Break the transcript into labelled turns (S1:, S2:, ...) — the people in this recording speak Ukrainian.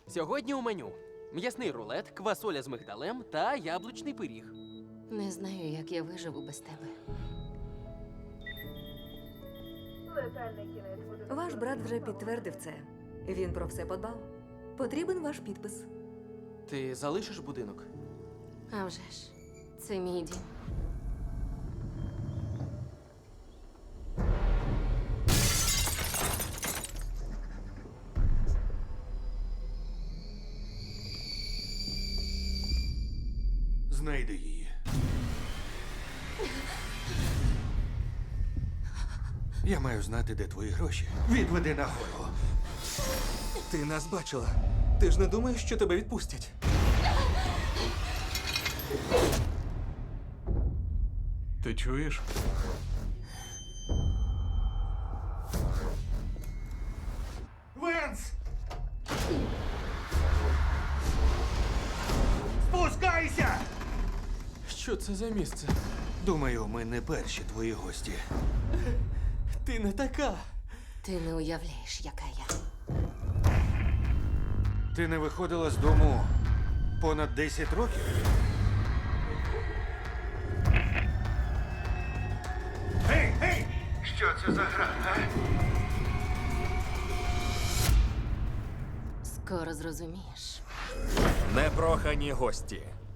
S1: Сьогодні у меню м'ясний рулет, квасоля з мигдалем та яблучний пиріг.
S2: Не знаю, як я виживу без тебе.
S3: Ваш брат вже підтвердив це. Він про все подбав. Потрібен ваш підпис.
S1: Ти залишиш будинок?
S2: А вже ж, це мій дім.
S4: Знайди її. Я маю знати, де твої гроші. Відведи нагору.
S5: Ти нас бачила. Ти ж не думаєш, що тебе відпустять?
S4: Ти чуєш? Венс! Спускайся!
S1: Що це за місце?
S4: Думаю, ми не перші твої гості.
S1: Ти не така.
S2: Ти не уявляєш, яка я.
S4: Ти не виходила з дому понад 10 років? Гей, гей! Що це за гра, а?
S2: Скоро зрозумієш.
S6: Непрохані гості.